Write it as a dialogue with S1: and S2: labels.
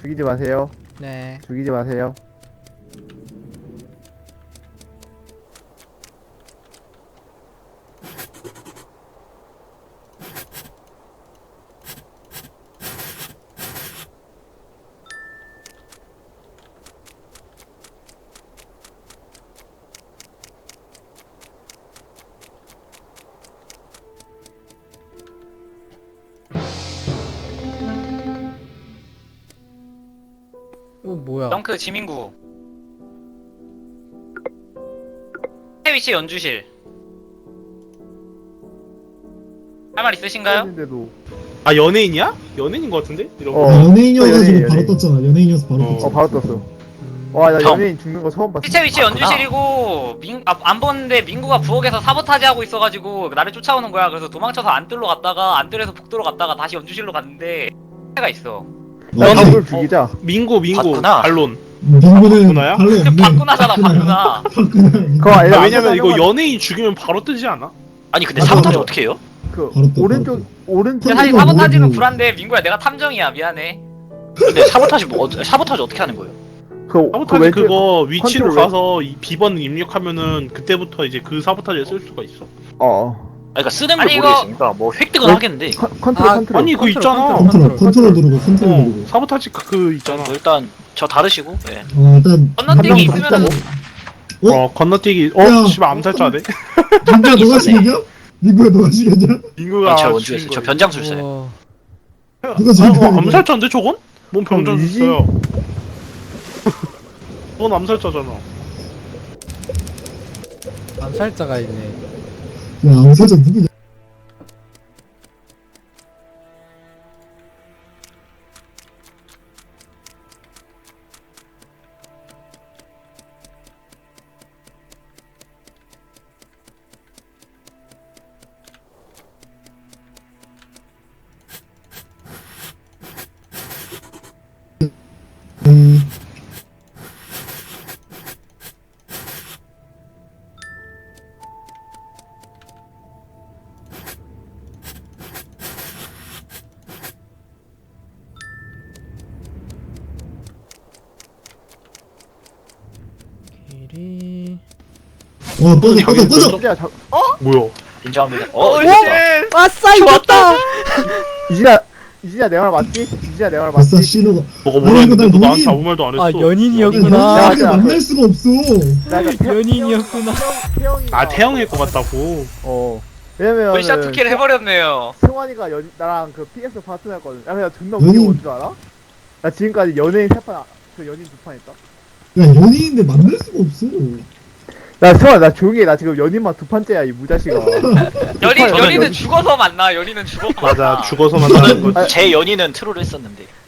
S1: 죽이지 마세요.
S2: 네.
S1: 죽이지 마세요.
S2: 뭐야?
S3: 덩크 지민구 위치 연주실 할 말 있으신가요?
S1: 했는데도
S4: 아 연예인이야? 연예인인 것 같은데? 이런
S1: 어.
S4: 거.
S5: 연예인이어가지고
S1: 연예인,
S5: 바로
S1: 연예인.
S5: 떴잖아. 연예인이어서 바로 떴잖아.
S1: 바로 떴어. 와, 나
S3: 형.
S1: 연예인 죽는 거 처음 봤어.
S3: 시체 위치
S6: 맞구나.
S3: 연주실이고 안 봤는데 민구가 부엌에서 사보타지 하고 있어가지고 나를 쫓아오는 거야. 그래서 도망쳐서 안뜰로 갔다가 안뜰에서 복도로 갔다가 다시 연주실로 갔는데 시체가 있어.
S1: 나
S5: 너
S1: 누굴 죽이자.
S4: 민구
S6: 봤구나.
S4: 반론.
S5: 민구는
S4: 바꾸나요?
S5: 발로 없네.
S3: 바꾸나잖아 바꾸나.
S1: 그거 알려.
S4: 아, 왜냐면 이거 연예인 죽이면 바로 뜨지 않아?
S6: 아니 근데
S5: 아,
S6: 사보타지
S5: 맞아.
S6: 어떻게 해요?
S1: 그
S5: 바로 또,
S1: 오른쪽
S5: 바로
S1: 오른쪽
S3: 근데 사실
S5: 뭐,
S3: 사보타지는
S5: 뭐.
S3: 불안데 민구야 내가 탐정이야 미안해.
S6: 근데 사보타지 사보타지 어떻게 하는 거예요?
S1: 그
S4: 사보타지
S1: 왼쪽-
S4: 그거 위치로
S1: 컨트롤
S4: 가서 이 비번 입력하면은 그때부터 이제 그 사보타지를 쓸 수가 있어.
S6: 그러니까 쓰는 걸
S3: 아니, 이거-
S6: 모르겠으니까 뭐 획득은
S1: 왜-
S6: 하겠는데.
S1: 컨트롤
S2: 아,
S1: 컨트롤.
S4: 아니 그거 있잖아.
S5: 컨트롤 누르고 컨트롤 누르고.
S4: 사보타지 그 있잖아.
S6: 일단 저 다르시고. 예.
S5: 일단
S3: 건너뛰기
S5: 한
S3: 있으면은
S5: 어?
S4: 건너뛰기.
S5: 야.
S4: 씨발 암살자 돼?
S5: 민구야 너가
S6: 있었네.
S5: 죽였냐? 민구야 너가 죽였냐?
S4: 민구가
S6: 저
S4: 죽인
S6: 원주에서 저
S4: 거야.
S6: 변장술사요.
S5: 누가 죽인 거야?
S4: 암살자인데 저건? 뭔
S1: 그럼
S4: 변장술사야? 넌 암살자잖아.
S2: 암살자가 있네.
S5: 야 암살자 누구냐?
S2: 길이.
S5: 꺼져.
S1: 진짜 자,
S4: 뭐야?
S6: 인정합니다.
S2: 아싸 이겼다.
S1: 이진아 내 말 맞지? 이진아 내 말
S5: 아싸
S1: 맞지?
S5: 신호가.
S4: 너가
S5: 아니,
S4: 뭐라 했는데
S5: 이거
S4: 너
S5: 나
S4: 나한테
S5: 본인-
S4: 아무 말도 안 했어.
S2: 아
S5: 야,
S2: 연인이었구나.
S5: 연예인한테
S1: 맞아.
S5: 만날 수가 없어.
S2: 연인이었구나.
S1: 태영이가
S4: 아 태형일 것 같다고.
S1: 왜냐면
S3: 원샷 투키를 해버렸네요.
S1: 승환이가 나랑 그 PS 파트너였거든. 야 그냥 존나 웃긴
S5: 연예인.
S1: 건줄 알아? 나 지금까지 연예인 3판 그 연인 2판 했다.
S5: 야 연예인인데 만날 수가 없어.
S1: 야 승환 나 조용히 해. 나 지금 연인만 2판째야 이 무자식아.
S3: 연인은
S1: 저는
S3: 죽어서 만나. 연인은 죽어서
S4: 맞아
S3: 만나.
S4: 죽어서 만나는 거지.
S6: 저는 제 연인은 트롤을 했었는데.